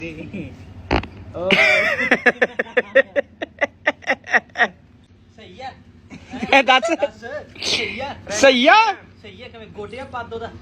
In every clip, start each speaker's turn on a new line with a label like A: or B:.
A: ਸਹੀ ਆ
B: ਦੱਸ
A: ਸਹੀ ਆ
B: ਸਹੀ ਆ
A: ਸਹੀ ਆ ਕਿਵੇਂ ਗੋਡਿਆਂ ਪੱਦ ਉਹਦਾ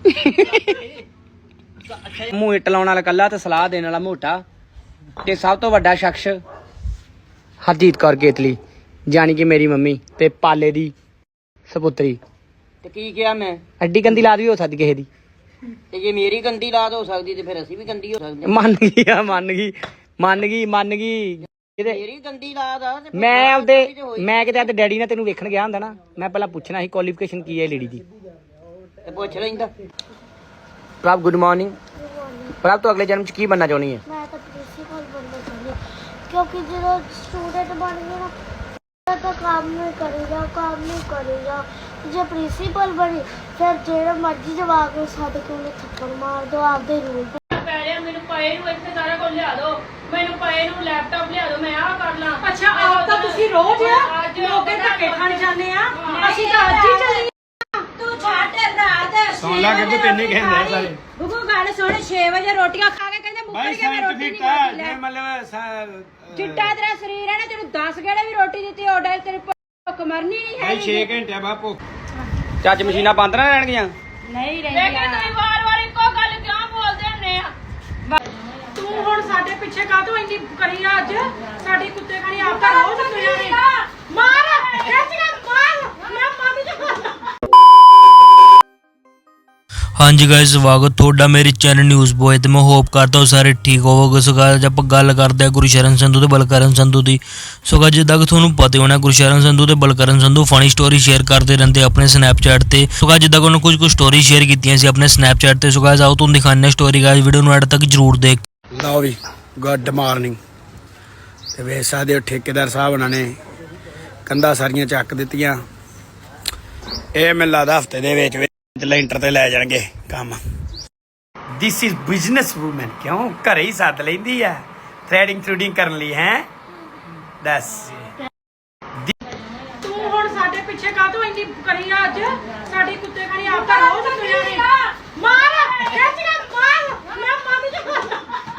A: ਅੱਛਾ
B: ਮੂੰਹ ਇੱਟ ਲਾਉਣ ਵਾਲਾ ਕੱਲਾ ਤੇ ਸਲਾਹ ਦੇਣ ਵਾਲਾ ਮੋਟਾ ਤੇ ਸਭ ਤੋਂ ਵੱਡਾ ਸ਼ਖਸ ਹਰਜੀਤ ਕੌਰ ਕੇਤਲੀ ਜਾਣੀ ਕਿ ਮੇਰੀ ਮੰਮੀ ਤੇ ਪਾਲੇ ਦੀ ਸਪੁੱਤਰੀ।
A: ਤੇ ਕੀ ਕਿਹਾ ਮੈਂ
B: ਐਡੀ ਗੰਦੀ ਲਾਦ ਵੀ ਹੋ ਸਕਦੀ ਕਿਸੇ ਦੀ।
A: ਤੇ ਜੇ ਮੇਰੀ ਗੰਦੀ ਲਾਦ ਹੋ ਸਕਦੀ ਤੇ ਫਿਰ ਅਸੀਂ ਵੀ ਗੰਦੀ ਹੋ ਸਕਦੇ
B: ਮੰਨ ਗਈ ਆ ਮੰਨ ਗਈ ਕਿਤੇ
A: ਮੇਰੀ ਗੰਦੀ ਲਾਦ ਆ ਤੇ
B: ਮੈਂ ਕਿਤੇ ਅੱਜ ਡੈਡੀ ਨਾਲ ਤੈਨੂੰ ਵੇਖਣ ਗਿਆ ਹੁੰਦਾ ਨਾ, ਮੈਂ ਪਹਿਲਾਂ ਪੁੱਛਣਾ ਸੀ ਕੁਆਲੀਫਿਕੇਸ਼ਨ ਕੀ ਹੈ ਲੇਡੀ ਦੀ।
A: ਤੇ ਪੁੱਛ ਲੈਂਦਾ।
B: ਪ੍ਰਭ ਗੁੱਡ ਮਾਰਨਿੰਗ। ਪ੍ਰਭ ਤੂੰ ਅਗਲੇ ਜਨਮ ਚ ਕੀ ਬਣਨਾ ਚਾਹੁੰਦੀ ਹੈ?
C: ਮੈਂ ਤਾਂ ਪ੍ਰਿੰਸੀਪਲ ਬਣਨਾ ਚਾਹੁੰਦੀ ਕਿਉਂਕਿ ਜਦੋਂ ਸਟੂਡੈਂਟ ਬਣ ਗਿਆ ਨਾ ਤਾਂ ਕੰਮ ਨਹੀਂ ਕਰੇਗਾ ਜੇ ਪ੍ਰਿੰਸੀਪਲ ਬਣੀ ਫਿਰ ਜਿਹੜਾ ਮਰਜ਼ੀ ਜਵਾਬ ਕੇ ਸਾਡੇ ਕੋਲ ਥੱਪੜ ਮਾਰ ਦੋ ਆਪਦੇ ਰੂਲ
D: ਮੈਨੂੰ ਪਏ ਨੂੰ ਇੱਥੇ ਸਾਰਾ ਕੁਝ ਲਿਆ ਦਿਓ, ਮੈਨੂੰ ਪਏ ਨੂੰ ਲੈਪਟਾਪ ਲਿਆ ਦਿਓ, ਮੈਂ ਆਹ ਕਰ ਲਾਂ।
E: ਅੱਛਾ ਆਪ ਤਾਂ ਤੁਸੀਂ ਰੋਜ਼ ਲੋਕੇ ਧੱਕੇ ਖਾਣ ਜਾਂਦੇ ਆ, ਅਸੀਂ ਤਾਂ ਅੱਜ ਹੀ ਚੱਲੀ
D: ਤੂੰ ਛੱਡ ਰਾਤ
B: ਸੁਣ ਲਾ ਕਿ ਤੈਨੂੰ ਕਹਿੰਦੇ ਸਾਰੇ
E: ਬੁੱਗੂ ਗੱਲ ਸੁਣ 6 ਵਜੇ ਰੋਟੀਆਂ ਖਾ ਕੇ ਕਹਿੰਦੇ ਮੁੱਕਰ ਕੇ ਮੈਂ ਰੋਟੀ ਨਹੀਂ ਖਾਣੀ ਲੈ
B: ਮਤਲਬ
E: ਚਿੱਟਾ ਤੇਰਾ ਸਰੀਰ ਹੈ ਨਾ, ਤੈਨੂੰ 10 ਗੇੜੇ ਵੀ ਰੋਟੀ ਦਿੱਤੀ ਆਰਡਰ ਤੇਰੀ ਭੁੱਖ ਮਰਨੀ ਨਹੀਂ ਹੈ
B: 6 ਘੰਟੇ ਬਾਅਦ ਭੁੱਖ ਚੱਜ ਮਸ਼ੀਨਾਂ ਬੰਦ ਨਾ ਰਹਿਣਗੀਆਂ।
E: ਨਹੀਂ
D: ਲੇਕਿਨ
E: ਰਹਿੰਦੀ
D: ਤੁਸੀਂ ਵਾਰ-ਵਾਰ ਇੱਕੋ ਗੱਲ ਕਿਉਂ ਬੋਲਦੇ ਹੁੰਦੇ ਆ?
E: ਤੂੰ ਹੁਣ ਸਾਡੇ ਪਿੱਛੇ ਕਾਹਤੋਂ ਇੰਨੀ ਕਰੀ ਆ ਅੱਜ? ਸਾਡੀ ਕੁੱਤੇ ਖਾਣੀ ਆਪ ਤਾਂ ਰੋਜ਼ ਤੁਰਿਆ ਨੇ ਮਾਰ ਖਿੱਚ ਕੇ ਮਾਰ ਮੈਂ ਮਾਰ ਜਾ।
F: ਹਾਂਜੀ ਗਾਇਸ ਸਵਾਗਤ ਤੁਹਾਡਾ ਮੇਰੇ ਚੈਨਲ ਨਿਊਜ਼ ਬੋਏ ਤੇ ਮੈਂ ਹੋਪ ਕਰਦਾ ਹਾਂ ਸਾਰੇ ਠੀਕ ਹੋਵੋਗੇ। ਸੋ ਗਾਇਸ ਆਪਾਂ ਗੱਲ ਕਰਦੇ ਹਾਂ ਗੁਰਸ਼ਰਨ ਸੰਧੂ ਤੇ ਬਲਕਰਨ ਸੰਧੂ ਦੀ। ਸੋ ਗਾਇਸ ਜਿੱਦਾਂ ਕਿ ਤੁਹਾਨੂੰ ਪਤਾ ਹੋਣਾ ਗੁਰਸ਼ਰਨ ਸੰਧੂ ਤੇ Balkaran Sandhu funny story share ਕਰਦੇ ਰਹਿੰਦੇ ਆਪਣੇ ਸਨੈਪਚੈਟ ਤੇ। ਸੋ ਗਾਇਸ ਜਿੱਦਾਂ ਕਿ ਉਹਨਾਂ ਕੁਝ ਸਟੋਰੀ ਸ਼ੇਅਰ ਕੀਤੀਆਂ ਸੀ ਆਪਣੇ ਸਨੈਪਚੈਟ ਤੇ। ਸੋ ਗਾਇਸ ਆਓ ਤੁਹਾਨੂੰ ਦਿਖਾਉਂਦੇ ਹਾਂ ਸਟੋਰੀ। ਗਾਇਸ ਵੀਡੀਓ ਨੂੰ ਐਡ ਤੱਕ ਜਰੂਰ ਦੇਖ
B: ਲਓ ਵੀ ਗੁੱਡ ਮਾਰਨਿੰਗ। ਤੇ ਵੇਖ ਸਕਦੇ ਹੋ ਠੇਕੇਦਾਰ ਸਾਹਿਬ ਉਹਨਾਂ ਨੇ ਕੰਧਾਂ ਸਾਰੀਆਂ ਚੱਕ ਦਿੱਤੀਆਂ। ਇਹ ਮੈਨੂੰ ਲੱਗਦਾ ਹਫਤੇ ਦੇ ਵਿੱਚ ਲੈਂਟਰ ਤੇ ਲੈ ਜਾਣਗੇ ਕੰਮ। This is business woman. ਕਿਉਂ ਘਰੇ ਹੀ ਸੱਦ ਲੈਂਦੀ ਆ ਥ੍ਰੈਡਿੰਗ ਕਰਨ ਲਈ ਹੈ। ਦੱਸ
E: ਤੂੰ ਹੁਣ ਸਾਡੇ ਪਿੱਛੇ ਕਾਹਤੋਂ ਇੰਨੀ ਕਰੀ ਆ ਅੱਜ? ਸਾਡੀ ਕੁੱਤੇ ਖਾਣੀ ਆਪ ਤਾਂ ਰੋਜ਼ ਤੁਰਿਆ ਨੇ ਮਾਰ ਖਿੱਚ ਕੇ ਮਾਰ ਮੈਂ ਮਾਰ ਜਾ।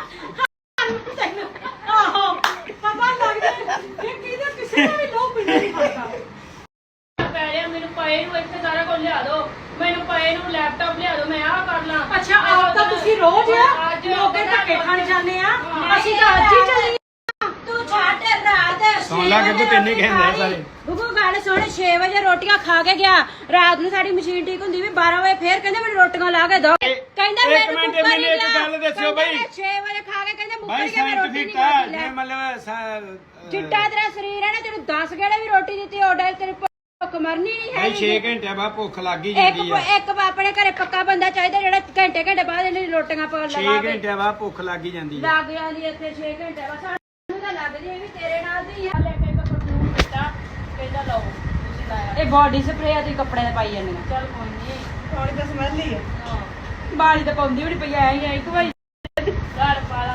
E: ਆਹੋ ਪਤਾ ਲੱਗਦਾ ਇਹ ਕਿਹਦੇ ਕਿਸੇ ਦਾ ਵੀ ਲੋਭ ਨਹੀਂ ਕਰਦਾ।
D: ਮੈਨੂੰ ਪਏ ਨੂੰ ਇੱਥੇ ਸਾਰਾ ਕੁਝ ਲਿਆ ਦਿਓ, ਮੈਨੂੰ ਪਏ ਨੂੰ ਲੈਪਟਾਪ ਲਿਆ ਦਿਓ, ਮੈਂ ਆਹ ਕਰ ਲਾਂ।
E: ਅੱਛਾ ਆਪ ਤਾਂ ਤੁਸੀਂ ਰੋਜ਼ ਲੋਕੇ ਧੱਕੇ ਖਾਣ ਜਾਂਦੇ ਆ, ਅਸੀਂ ਤਾਂ ਅੱਜ ਹੀ ਚੱਲੀ
D: ਤੂੰ ਛੱਡ ਰਾਤ
B: ਸੁਣ ਲਾ ਕਿ ਤੈਨੂੰ ਕਹਿੰਦੇ ਸਾਰੇ
E: ਬੁੱਗੂ ਗੱਲ ਸੁਣ 6 ਵਜੇ ਰੋਟੀਆਂ ਖਾ ਕੇ ਗਿਆ। ਰਾਤ ਨੂੰ ਸਾਡੀ ਮਸ਼ੀਨ ਠੀਕ ਹੁੰਦੀ ਵੀ 12 ਵਜੇ ਫੇਰ ਕਹਿੰਦੇ ਮੈਨੂੰ ਰੋਟੀਆਂ ਲਾ ਕੇ ਦੋ। ਕਹਿੰਦਾ ਮੈਨੂੰ
B: ਇੱਕ ਗੱਲ ਦੱਸਿਓ ਬਈ
E: 6 ਵਜੇ ਖਾ ਕੇ ਕਹਿੰਦੇ ਮੁੱਕਰ
B: ਭਾਈ
E: ਕੇ ਮੈਂ ਰੋਟੀ ਨਹੀਂ ਖਾਣੀ ਲੈ।
B: ਮਤਲਬ
E: ਚਿੱਟਾ ਤੇਰਾ ਸਰੀਰ ਹੈ ਨਾ, ਤੈਨੂੰ 10 ਗੇੜੇ ਵੀ ਰੋਟੀ ਦਿੱਤੀ ਆਰਡਰ ਤੇਰੀ ਭੁੱਖ ਮਰਨੀ ਨਹੀਂ ਹੈ
B: 6 ਘੰਟੇ ਬਾਅਦ ਭੁੱਖ ਲੱਗ ਹੀ ਜਾਂਦੀ ਆ।
E: ਇੱਕ ਆਪਣੇ ਘਰੇ ਪੱਕਾ ਬੰਦਾ ਚਾਹੀਦਾ ਜਿਹੜਾ ਘੰਟੇ ਬਾਅਦ ਇਹਨੇ ਰੋਟੀਆਂ ਪਾ
B: 6
E: ਲਗਾਵੇ।
B: ਘੰਟੇ ਬਾਅਦ ਭੁੱਖ ਲੱਗ ਹੀ ਜਾਂਦੀ ਆ।
E: ਲੱਗ ਜਾਂਦੀ ਇੱਥੇ 6 ਘੰਟੇ ਬਾਅਦ ਸਾਨੂੰ ਤਾਂ ਲੱਗਦੀ ਇਹ ਵੀ ਤੇਰੇ ਨਾਲ ਦੀ ਆ।
D: ਲੈ ਕੇ ਪਰਫਿਊਮ ਦਿੱਤਾ, ਕਹਿੰਦਾ ਲਓ ਤੁਸੀਂ ਲਾਇਆ।
E: ਇਹ ਬਾਡੀ ਸਪਰੇਅ ਆ, ਤੁਸੀਂ ਕੱਪੜੇ ਤੇ ਪਾਈ ਜਾਂਦੀਆਂ।
D: ਚੱਲ ਕੋਈ ਨਹੀਂ,
E: ਬਾੜੀ ਤਾਂ ਸਮੈਲ ਹੀ ਆ। ਬਾੜੀ ਤਾਂ ਪਾਉਂਦੀ ਵੀ ਨਹੀਂ ਪਈ ਐ ਇੱਕ ਵਾਰੀ
D: ਘਰ ਪਾਲਾ।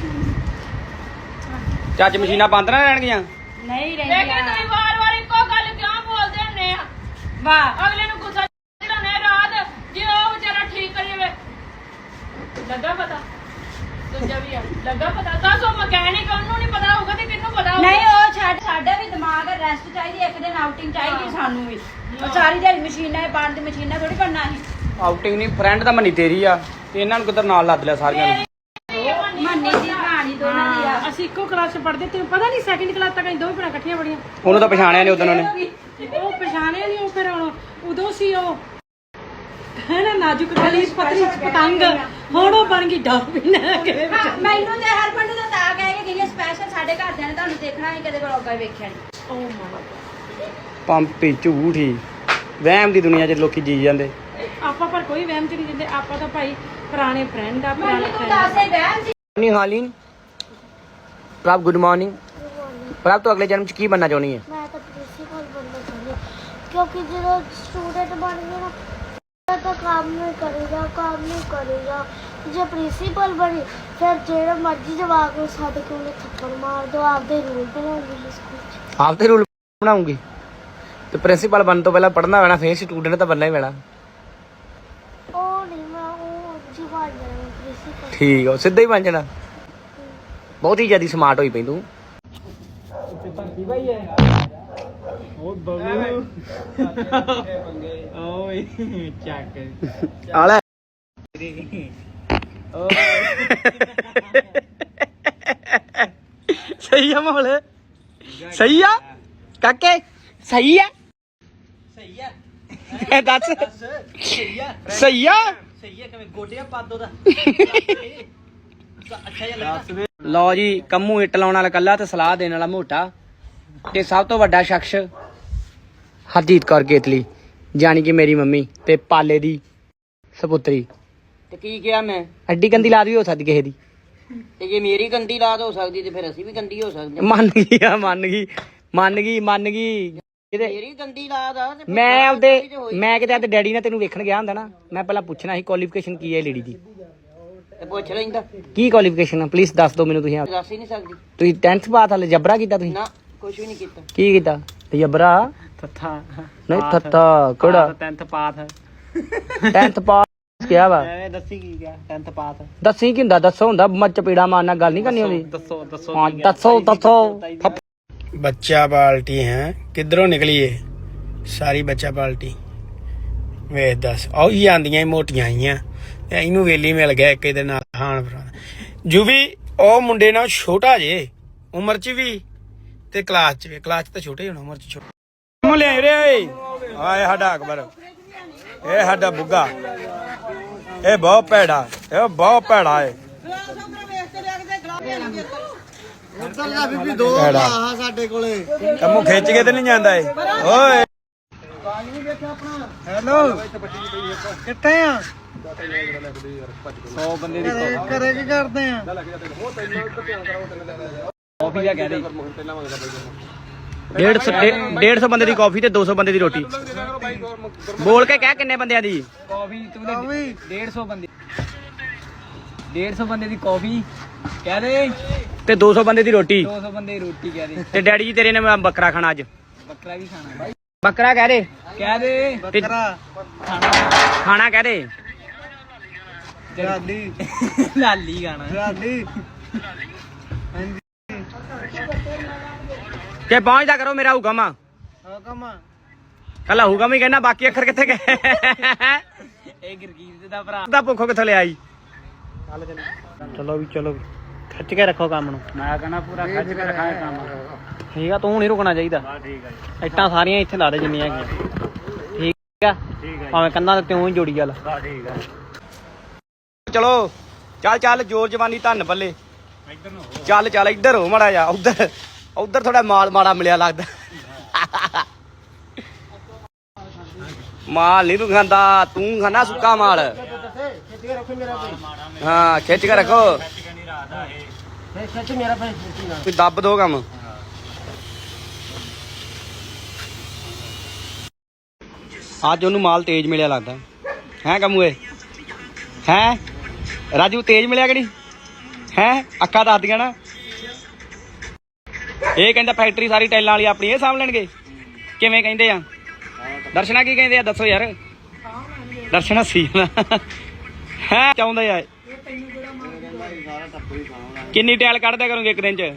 B: ਚੱਜ ਮਸ਼ੀਨਾਂ ਬੰਦ ਨਾ ਰਹਿਣਗੀਆਂ।
E: ਨਹੀਂ
D: ਲੇਕਿਨ ਤੁਸੀਂ ਵਾਰ-ਵਾਰ ਇੱਕੋ ਗੱਲ ਕਿਉਂ ਬੋਲਦੇ ਹੁੰਦੇ ਆ?
E: ਵਾਹ
D: ਅਗਲੇ ਨੂੰ ਗੁੱਸਾ ਚੜਾਉਣਾ ਰਾਤ ਜੇ ਉਹ ਵਿਚਾਰਾ ਠੀਕ ਕਰੀ ਜਾਵੇ। ਲੱਗਾ ਪਤਾ ਦੂਜਾ ਵੀ ਆ ਲੱਗਾ ਪਤਾ। ਦੱਸ ਉਹ ਮਕੈਨਿਕ ਉਹਨੂੰ ਨਹੀਂ ਪਤਾ ਹੋਊਗਾ ਤੇ ਕਿਹਨੂੰ ਪਤਾ ਹੋਊਗਾ?
E: ਨਹੀਂ ਉਹ ਛੱਡ, ਸਾਡਾ ਵੀ ਦਿਮਾਗ ਰੈਸਟ ਚਾਹੀਦੀ, ਇੱਕ ਦਿਨ ਆਊਟਿੰਗ ਚਾਹੀਦੀ ਸਾਨੂੰ ਵੀ। ਉਹ ਸਾਰੀ ਦਿਹਾੜੀ ਮਸ਼ੀਨਾਂ ਬੰਦ ਮਸ਼ੀਨਾਂ ਥੋੜੀ ਕਰਨਾ ਸੀ।
B: ਆਊਟਿੰਗ ਨਹੀਂ ਫਰੈਂਡ ਤਾਂ ਮੰਨੀ ਤੇਰੀ ਆ ਤੇ ਇਹਨਾਂ ਨੂੰ ਕਿੱਧਰ ਨਾਲ ਲੱਦ ਲਿਆ ਸਾਰਿਆਂ ਨੂੰ।
E: ਮੰਨੀ ਦੀ ਕਹਾਣੀ ਦੋਨਾਂ ਦੀ ਆ। ਅਸੀਂ ਇੱਕੋ ਕਲਾਸ ਚ ਪੜ੍ਹਦੇ, ਤੈਨੂੰ ਪਤਾ ਨਹੀਂ ਸੈਕਿੰਡ ਕਲਾਸ ਤੱਕ ਅਸੀਂ ਦੋਵੇਂ ਭੈਣਾਂ ਇਕੱਠੀਆਂ ਪੜ੍ਹੀਆਂ।
B: ਉਹਨੂੰ ਤਾਂ ਪਛਾਣਿਆ ਨਹੀਂ ਉਦੋਂ ਉਹਨੇ।
E: ਉਹ ਪਛਾਣਿਆ ਨਹੀਂ, ਉਹ ਫਿਰ ਉਦੋਂ ਸੀ ਉਹ ਹੈ ਨਾ ਨਾਜ਼ੁਕ ਗਲੀ ਪਤਲੀ ਪਤੰਗ, ਹੁਣ ਉਹ ਬਣ ਗਈ ਡਾਲਫਿਨ। ਮੈਨੂੰ ਤੇ ਹਰਮਨ ਨੂੰ ਤਾਂ ਕਹਿ ਕੇ ਗਈ ਸਪੈਸ਼ਲ ਸਾਡੇ ਘਰਦਿਆਂ ਨੇ ਤੁਹਾਨੂੰ ਦੇਖਣਾ ਸੀ, ਕਦੇ ਵਲੋਗਾਂ ਵੇਖਿਆ ਨਹੀਂ। ਓ ਮਾਈ
B: ਪੰਪੀ ਝੂਠੀ ਵਹਿਮ ਦੀ ਦੁਨੀਆ 'ਚ ਲੋਕੀ ਜੀ ਜਾਂਦੇ।
E: ਆਪਾਂ ਪਰ ਕੋਈ ਵਹਿਮ ਚ ਨਹੀਂ ਦਿੰਦੇ, ਆਪਾਂ ਤਾਂ ਭਾਈ ਪੁਰਾਣੇ ਫਰੈਂਡ ਆ। ਪੁਰਾਣੇ
D: ਤੂੰ ਦੱਸ ਇਹ ਵਹਿਮ ਸੀ।
B: ਨਹੀਂ ਹਾਲੀਨ। ਪ੍ਰਭ ਗੁੱਡ ਮਾਰਨਿੰਗ। ਪ੍ਰਭ ਤੂੰ ਅਗਲੇ ਜਨਮ 'ਚ ਕੀ ਬਣਨਾ ਚਾਹੁੰਦੀ ਹੈ?
C: ਮੈਂ ਤਾਂ ਪ੍ਰਿੰਸੀਪਲ ਬਣਨਾ ਚਾਹੁੰਦੀ ਕਿਉਂਕਿ ਜਦੋਂ ਸਟੂਡੈਂਟ ਬਣ ਗਿਆ ਨਾ ਤਾਂ ਕੰਮ ਨਹੀਂ ਕਰੇਗਾ ਜੇ ਪ੍ਰਿੰਸੀਪਲ ਬਣੀ ਫਿਰ ਜਿਹੜਾ ਮਰਜ਼ੀ ਜਵਾਬ ਕੇ ਸਾਡੇ ਕੋਲ ਥੱਪੜ ਮਾਰ ਦੋ ਆਪਦੇ ਰੂਲ ਬਣਾਉਂਗੀ ਸਕੂਲ 'ਚ।
B: ਆਪਦੇ ਰੂਲ ਬਣਾਉਂਗੀ ਤੇ ਪ੍ਰਿੰਸੀਪਲ ਬਣਨ ਤੋਂ ਪਹਿਲਾਂ ਪੜ੍ਹਨਾ ਪੈਣਾ, ਫਿਰ ਸਟੂਡੈਂਟ ਤਾਂ ਬਣਨਾ ਹੀ ਪੈਣਾ।
C: ਉਹ ਨਹੀਂ ਮੈਂ ਉਹ ਜੀ ਬਣ ਜਾਣਾ ਪ੍ਰਿੰਸੀਪਲ।
B: ਠੀਕ ਆ ਸਿੱਧਾ ਹੀ ਬਣ ਜਾਣਾ। ਬਹੁਤ ਹੀ ਜ਼ਿਆਦਾ ਸਮਾਰਟ ਹੋਈ ਪਈ ਤੂੰ। ਆਲਾ ਸਹੀ ਆ ਮਾਹੌਲ, ਸਹੀ ਆ ਕਾਕੇ, ਸਹੀ ਆ ਦੱਸ ਸਹੀ ਆ। ਲਓ ਜੀ, ਕੰਮੂ ਇੱਟ ਲਾਉਣ ਵਾਲਾ ਕੱਲਾ ਤੇ ਸਲਾਹ ਦੇਣ ਵਾਲਾ ਮੋਟਾ ਤੇ ਸਭ ਤੋਂ ਵੱਡਾ ਸ਼ਖਸ ਹਰਜੀਤ ਕੌਰ ਕੇਤਲੀ, ਜਾਣੀ ਕਿ ਮੇਰੀ ਮੰਮੀ ਤੇ ਪਾਲੇ ਦੀ ਸਪੁੱਤਰੀ।
A: ਤੇ ਕੀ ਕਿਹਾ ਮੈਂ?
B: ਐਡੀ ਗੰਦੀ ਲਾਦ ਵੀ ਹੋ ਸਕਦੀ ਕਿਸੇ ਦੀ।
A: ਤੇ ਜੇ ਮੇਰੀ ਗੰਦੀ ਲਾਦ ਹੋ ਸਕਦੀ ਤੇ ਫਿਰ ਅਸੀਂ ਵੀ ਗੰਦੀ ਹੋ ਸਕਦੇ।
B: ਮੰਨ ਗਈ ਆ, ਮੰਨ ਗਈ
A: ਮੇਰੀ ਗੰਦੀ ਲਾਦ ਆ ਤੇ ਫਿਰ
B: ਮੈਂ ਆਪਦੇ
A: ਗੰਦੀ ਤੇ ਹੋਈ।
B: ਮੈਂ ਕਿਤੇ ਆਪਦੇ ਡੈਡੀ ਨਾਲ ਤੈਨੂੰ ਵੇਖਣ ਗਿਆ ਹੁੰਦਾ ਨਾ, ਮੈਂ ਪਹਿਲਾਂ ਪੁੱਛਣਾ ਸੀ ਕੁਆਲੀਫਿਕੇਸ਼ਨ ਕੀ ਹੈ ਲੇਡੀ ਦੀ,
A: ਤੇ ਪੁੱਛ ਲੈਂਦਾ।
B: ਕੀ ਕੁਆਲੀਫਿਕੇਸ਼ਨ ਆ ਪਲੀਜ਼ ਦੱਸ ਦਿਓ ਮੈਨੂੰ। ਤੁਸੀਂ
A: ਦੱਸ ਹੀ ਨਹੀਂ ਸਕਦੀ
B: ਤੁਸੀਂ 10th ਪਾਸ ਹਾਲੇ ਜਬਰਾ ਕੀਤਾ ਤੁਸੀਂ?
A: ਨਾ, ਕੁਝ ਵੀ ਨਹੀਂ ਕੀਤਾ।
B: ਕੀ ਕੀਤਾ ਜਬਰਾ?
G: ਥੱਥਾ
B: ਨਹੀਂ ਥੱਥਾ ਕਿਹੜਾ?
G: 10th ਪਾਸ
B: 10th ਪਾਸ ਕਿਹਾ ਵਾ?
G: ਐਵੇਂ ਦੱਸੀ ਕੀ ਗਿਆ 10th ਪਾਸ।
B: ਦੱਸੀ ਕੀ ਹੁੰਦਾ? ਦੱਸੋ ਹੁੰਦਾ, ਮੈਂ ਚਪੇੜਾ ਮਾਰਨਾ ਗੱਲ ਨਹੀਂ ਕਰਨੀ ਹੁੰਦੀ।
G: ਦੱਸੋ
B: ਹਾਂ ਦੱਸੋ। ਬੱਚਾ ਪਾਲਟੀ ਹੈ ਕਿੱਧਰੋਂ ਨਿਕਲੀਏ ਸਾਰੀ ਬੱਚਾ ਪਾਲਟੀ ਵੇਖ ਦੱਸ। ਉਹ ਹੀ ਆਂਦੀਆਂ ਮੋਟੀਆਂ ਆਈਆਂ, ਇਹਨੂੰ ਵੇਲੀ ਮਿਲ ਗਿਆ ਇੱਕ ਇਹਦੇ ਨਾਲ ਹਾਨ ਜੂ ਵੀ ਉਹ ਮੁੰਡੇ ਨਾਲ ਛੋਟਾ ਜੇ ਉਮਰ ਚ ਵੀ ਤੇ ਕਲਾਸ ਚ ਵੀ। ਕਲਾਸ ਚ ਤਾਂ ਛੋਟੇ ਹੋਣਾ, ਉਮਰ ਚ ਛੋਟਾ। ਲਿਆਏ ਰੇ ਆਏ ਸਾਡਾ ਅਕਬਰ, ਇਹ ਸਾਡਾ ਬੁੱਗਾ, ਇਹ ਬਹੁਤ ਭੈੜਾ, ਇਹ ਬਹੁਤ ਭੈੜਾ ਏ।
G: ਸਾਡੇ ਕੋਲੇ
B: ਕੰਮੂ ਖਿੱਚ ਕੇ ਤੇ ਨਹੀਂ ਜਾਂਦਾ ਏ। ਓਏ
G: ਹੈਲੋ ਕਿੱਥੇ ਆ? 100 ਬੰਦੇ ਦੀ ਘਰੇ ਕੀ ਕਰਦੇ ਆ? ਕਾਫੀ ਦਾ ਕਹਿ ਦੇ।
B: 150 ਬੰਦੇ ਦੀ ਕਾਫੀ ਤੇ 200 ਬੰਦੇ ਦੀ ਰੋਟੀ। ਬੋਲ ਕੇ ਕਹਿ ਕਿੰਨੇ ਬੰਦਿਆਂ ਦੀ
G: ਕਾਫੀ? ਤੂੰ 150 ਬੰਦੇ, 150 ਬੰਦੇ ਦੀ ਕਾਫੀ ਕਹਿ ਦੇ
B: ਤੇ 200 ਬੰਦੇ ਦੀ ਰੋਟੀ।
G: 200 ਬੰਦੇ ਦੀ ਰੋਟੀ ਕਹਿ ਦੇ।
B: ਤੇ ਡੈਡੀ ਜੀ ਤੇਰੇ ਨੇ ਬੱਕਰਾ ਖਾਣਾ ਅੱਜ।
G: ਬੱਕਰਾ ਵੀ ਖਾਣਾ?
B: ਬੱਕਰਾ ਕਹਿ ਦੇ,
G: ਕਹਿ ਦੇ ਬੱਕਰਾ
B: ਖਾਣਾ ਕਹਿ ਦੇ।
G: ਲਾਲੀ ਲਾਲੀ ਖਾਣਾ ਲਾਲੀ।
B: ਕਿ ਪਹੁੰਚਦਾ ਕਰੋ ਮੇਰਾ ਹੁਕਮ ਆ। ਕੱਲਾ ਹੁਕਮ ਹੀ ਕਹਿਣਾ, ਬਾਕੀ ਅੱਖਰ ਕਿੱਥੇ ਗਏ?
G: ਇਹ ਗਰਗੀਤ ਦਾ ਭਰਾ
B: ਦਾ ਭੁੱਖੋ ਕਿੱਥੋਂ ਲਿਆ ਜੀ?
G: ਚਲੋ ਵੀ ਚਲੋ, ਖਿੱਚ ਕੇ ਰੱਖੋ ਕੰਮ ਨੂੰ। ਮੈਂ ਕਹਿੰਦਾ ਪੂਰਾ ਖਿੱਚ ਕੇ ਰੱਖਾਂ ਕੰਮ।
B: ਠੀਕ ਆ, ਤੂੰ ਨਹੀਂ ਰੁਕਣਾ ਚਾਹੀਦਾ। ਇੱਟਾਂ ਸਾਰੀਆਂ ਇੱਥੇ ਲਾ ਦੇ ਜਿੰਨੀਆਂ ਹੈਗੀਆਂ। ਠੀਕ ਆ, ਭਾਵੇਂ ਕੰਨਾਂ ਤੇ ਤੂੰ ਹੀ ਜੋੜੀ ਚੱਲ। ਚਲੋ ਚੱਲ ਚੱਲ, ਜੋਰ ਜਵਾਨੀ ਧੰਨ ਬੱਲੇ। ਚੱਲ ਚੱਲ ਇੱਧਰ ਹੋ ਮਾੜਾ ਜਾ, ਉਧਰ ਥੋੜਾ ਮਾਲ ਮਾੜਾ ਮਿਲਿਆ ਲੱਗਦਾ। ਮਾਲ ਨਹੀਂ ਤੂੰ ਖਾਂਦਾ, ਤੂੰ ਖਾਣਾ ਸੁੱਕਾ ਮਾਲ। ਹਾਂ ਖਿੱਚ ਕੇ ਰੱਖੋ, ਕੋਈ ਦੱਬ ਦੋ ਕੰਮ। ਅੱਜ ਉਹਨੂੰ ਮਾਲ ਤੇਜ਼ ਮਿਲਿਆ ਲੱਗਦਾ ਹੈ ਕੰਮੂਏ। ਹੈ ਰਾਜੂ ਤੇਜ਼ ਮਿਲਿਆ ਕਿ ਨਹੀਂ? ਹੈ ਅੱਖਾਂ ਦੱਸਦੀਆਂ ਨਾ। ਇਹ ਕਹਿੰਦਾ ਫੈਕਟਰੀ ਸਾਰੀ ਟਾਈਲਾਂ ਵਾਲੀ ਆਪਣੀ ਇਹ ਸਾਂਭ ਲੈਣਗੇ। ਕਿਵੇਂ ਕਹਿੰਦੇ ਆ? ਦਰਸ਼ਨਾ ਕੀ ਕਹਿੰਦੇ ਆ ਦੱਸੋ ਯਾਰ। ਦਰਸ਼ਨਾ ਸੀ ਹੈ ਚਾਹੁੰਦੇ ਆ। ਕਿੰਨੀ ਟਾਇਲ ਕੱਢਦਿਆ ਕਰੋਗੇ ਇੱਕ ਦਿਨ ਚ?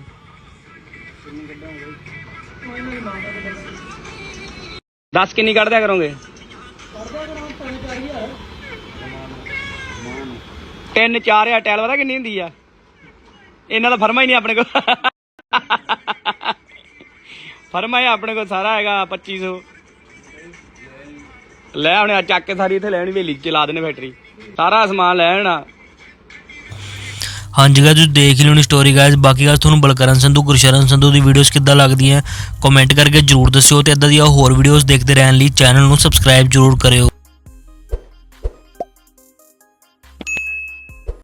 B: ਦੱਸ ਕਿੰਨੀ ਕੱਢਦਿਆ ਕਰੋਗੇ? 3-4 ਟਾਇਲ ਪਤਾ ਕਿੰਨੀ ਹੁੰਦੀ ਆ? ਇਹਨਾਂ ਦਾ ਫਰਮਾ ਹੀ ਨਹੀਂ ਆਪਣੇ ਕੋਲ। ਫਰਮਾ ਹੀ ਆਪਣੇ ਕੋਲ ਸਾਰਾ ਹੈਗਾ 2500। ਲੈ ਆਉਣੇ ਚੱਕ ਕੇ ਸਾਰੀ ਇੱਥੇ ਲੈਣੀ, ਹਵੇਲੀ ਚ ਲਾ ਦੇਣੇ ਫੈਕਟਰੀ, ਸਾਰਾ ਸਮਾਨ ਲੈ ਆਉਣਾ।
F: ਹਾਂਜੀ ਗਾਇਸ, ਤੁਸੀਂ ਦੇਖ ਲਿਓ ਨੀ ਸਟੋਰੀ ਗਾਇਸ। ਬਾਕੀ ਗੱਲ ਤੁਹਾਨੂੰ ਬਲਕਰਨ ਸੰਧੂ, ਗੁਰਸ਼ਰਨ ਸੰਧੂ ਦੀ ਵੀਡੀਓਜ਼ ਕਿੱਦਾਂ ਲੱਗਦੀਆਂ ਕਮੈਂਟ ਕਰਕੇ ਜਰੂਰ ਦੱਸਿਓ, ਤੇ ਇਦਾਂ ਦੀਆਂ ਹੋਰ ਵੀਡੀਓਜ਼ ਦੇਖਦੇ ਰਹਿਣ ਲਈ ਚੈਨਲ ਨੂੰ ਸਬਸਕ੍ਰਾਈਬ ਜਰੂਰ ਕਰਿਓ।